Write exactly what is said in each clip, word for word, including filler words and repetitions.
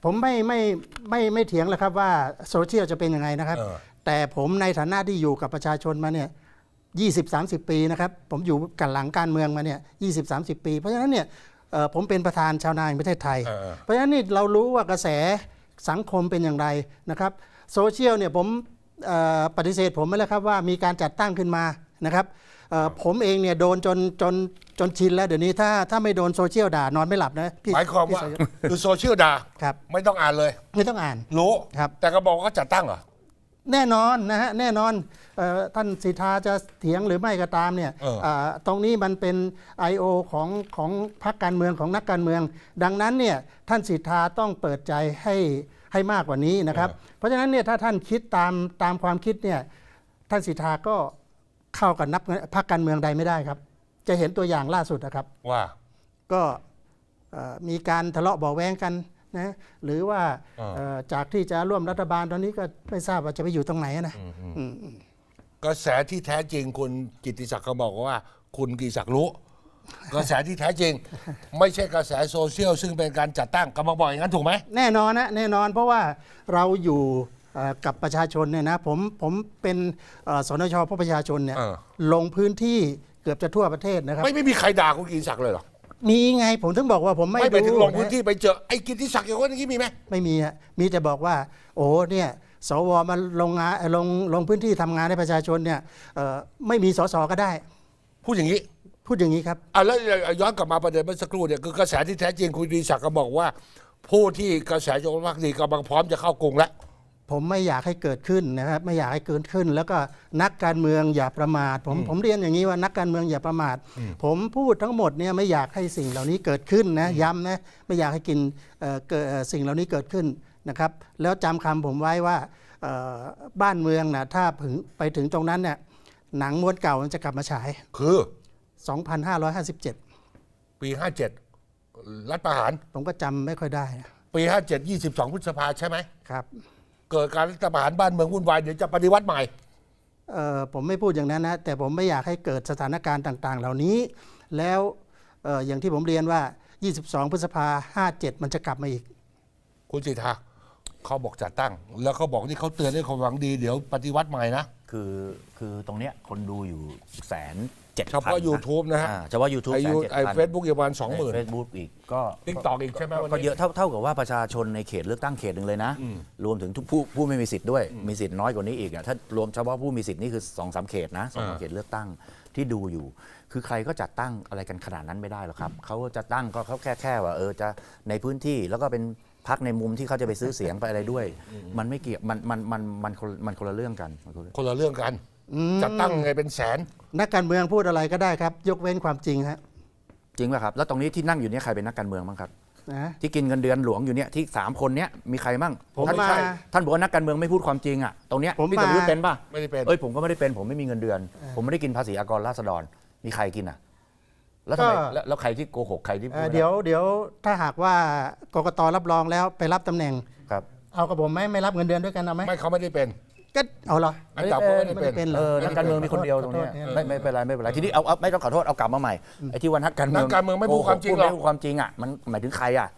ผมไม่ไม่ไม่ไม่เถียงแล้วครับว่าโซเชียลจะเป็นยังไงนะครับแต่ผมในฐานะที่อยู่กับประชาชนมาเนี่ยยี่สิบสามสิบปีนะครับผมอยู่กันหลังการเมืองมาเนี่ยยี่สิบสามสิบปีเพราะฉะนั้นเนี่ยผมเป็นประธานชาวนาแห่งประเทศไทยเพราะฉะนั้นนี่เรารู้ว่ากระแสสังคมเป็นอย่างไรนะครับโซเชียลเนี่ยผมปฏิเสธผมไม่แล้วครับว่ามีการจัดตั้งขึ้นมานะครับผมเองเนี่ยโดนจนจนจนชินแล้วเดี๋ยวนี้ถ้าถ้าไม่โดนโซเชียลด่านอนไม่หลับนะหมายความว่าคือโซเชียลด่าไม่ต้องอ่านเลยไม่ต้องอ่านรู้ครับแต่ก็บอกว่าจัดตั้งเหรอแน่นอนนะฮะแน่นอนท่านสิทธาจะเถียงหรือไม่ก็ตามเนี่ยตรงนี้มันเป็น ไอ โอ ของของพรรคการเมืองของนักการเมืองดังนั้นเนี่ยท่านสิทธาต้องเปิดใจให้ให้มากกว่านี้นะครับเพราะฉะนั้นเนี่ยถ้าท่านคิดตามตามความคิดเนี่ยท่านสิทธาก็เข้ากับนักพรรคการเมืองใดไม่ได้ครับจะเห็นตัวอย่างล่าสุดนะครับว่าก็มีการทะเลาะเบาะแว้งกันนะหรือว่าจากที่จะร่วมรัฐบาลตอนนี้ก็ไม่ทราบว่าจะไปอยู่ตรงไหนนะกระแสที่แท้จริงคุณกิตติศักดิ์ก็บอกว่าคุณกิตติศักดิ์รู้กระแสที่แท้จริงไม่ใช่กระแสโซเชียลซึ่งเป็นการจัดตั้งกำลังบอกอย่างนั้นถูกไหมแน่นอนนะแน่นอนเพราะว่าเราอยู่กับประชาชนเนี่ยนะผมผมเป็นสนช.เพื่อประชาชนเนี่ยลงพื้นที่เกือบจะทั่วประเทศนะครับไม่ไม่มีใครด่าคุณกิตติศักดิ์เลยหรอมีไงผมถึงบอกว่าผมไม่ไม่ไปถึงลงพื้นที่ไปเจอไอ้กิตติศักดิ์อย่างนี้มีไหมไม่มีฮะมีแต่บอกว่าโอ้เนี่ยสวมาลงงานลงลงพื้นที่ทำงานให้ประชาชนเนี่ยไม่มีสสก็ได้พูดอย่างนี้พูดอย่างนี้ครับอ่ะแล้วย้อนกลับมาประเด็นเมื่อสักครู่เนี่ยคือกระแสที่แท้จริงคุณกิตติศักดิ์ก็บอกว่าผู้ที่กระแสจงรักภักดีกำลังพร้อมจะเข้ากรุงแล้วผมไม่อยากให้เกิดขึ้นนะครับไม่อยากให้เกิดขึ้นแล้วก็นักการเมืองอย่าประมาทผมผมเรียนอย่างนี้ว่านักการเมืองอย่าประมาทผมพูดทั้งหมดเนี่ยไม่อยากให้สิ่งเหล่านี้เกิดขึ้นนะย้ำนะไม่อยากให้กินสิ่งเหล่านี้เกิดขึ้นนะครับแล้วจำคำผมไว้ว่าบ้านเมืองนะถ้าถึงไปถึงตรงนั้นเนี่ยหนังม้วนเก่ามันจะกลับมาฉายคือสองพันห้าร้อยห้าสิบเจ็ดปีห้าสิบเจ็ดรัฐประหารผมก็จำไม่ค่อยได้นะปีห้าสิบเจ็ด ยี่สิบสองพฤษภาใช่ไหมครับเกิดการรัฐประหารบ้านเมืองวุ่นวายเดี๋ยวจะปฏิวัติใหม่เอ่อผมไม่พูดอย่างนั้นนะแต่ผมไม่อยากให้เกิดสถานการณ์ต่างๆเหล่านี้แล้วเอ่ออย่างที่ผมเรียนว่ายี่สิบสองพฤษภาห้าสิบเจ็ดมันจะกลับมาอีกคุณสิทธาเขาบอกจัดตั้งแล้วเขาบอกที่เขาเตือนด้วยความหวังดีเดี๋ยวปฏิวัติใหม่นะคือคือตรงเนี้ยคนดูอยู่แสนเจ็ดพันเฉพาะ YouTube นะฮะเฉพาะ YouTube ไอ้เฟซบุ๊กอยู่ประมาณสองหมื่นเฟซบุ๊กอีกก็ติ๊กต็อกอีกใช่ไหมก็เยอะเท่าเท่ากับว่าประชาชนในเขตเลือกตั้งเขตหนึ่งเลยนะรวมถึงทุกผู้ผู้ไม่มีสิทธิ์ด้วยมีสิทธิ์น้อยกว่านี้อีกอ่ะถ้ารวมเฉพาะผู้มีสิทธิ์นี่คือสองสามเขตนะสองสามเขตเลือกตั้งที่ดูอยู่คือใครก็จัดตั้งอะไรกันขนาดนั้นไม่ได้หรอกครับเขาจะตั้งก็เขาแค่แค่ว่าเออจะในพื้นที่แล้วก็เป็นพักในมุมที่เขาจะไปซื้อเสียงไปอะไรด้วยมันไม่เกี่ยวมันมันมันมันมันคนละเรื่องกันคนละเรื่องกันจัดตั้งไงเป็นแสนนักการเมืองพูดอะไรก็ได้ครับยกเว้นความจริงฮะจริงป่ะครับแล้วตรงนี้ที่นั่งอยู่เนี่ยใครเป็นนักการเมืองบ้างครับที่กินเงินเดือนหลวงอยู่เนี่ยที่สามคนเนี้ยมีใครบ้างผมมาท่านบอกว่านักการเมืองไม่พูดความจริงอ่ะตรงเนี้ยพี่ตำรวจเป็นป่ะไม่ได้เป็นเอ้ยผมก็ไม่ได้เป็นผมไม่มีเงินเดือนผมไม่ได้กินภาษีอากรราษฎรมีใครกินอ่ะแล้วทำไมแล้วใครที่โกหกใครที่เดี๋ยวเดี๋ยวถ้าหากว่ากกตรับรองแล้วไปรับตำแหน่งครับเอากับผมไหมไม่รับเงินเดือนด้วยกันเอาไหมไม่เขาไม่ได้เป็นก็เอาเหรออันดับเขาไม่ได้เป็นเออนักการเมืองมีคนเดียวตรงนี้ไม่ไม่เป็นไรไม่เป็นไรทีนี้เอาเอาไม่ต้องขอโทษเอากลับมาใหม่ไอ้ที่วันนักการเมืองนักการเมืองไม่พูดความจริงหรอกไม่พูดความจริงอ่ะมันหมายถึงใครอ่ะ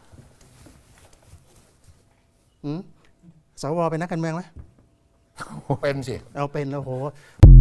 สวเป็นนักการเมืองไหมเป็นสิเอาเป็นโอ้โห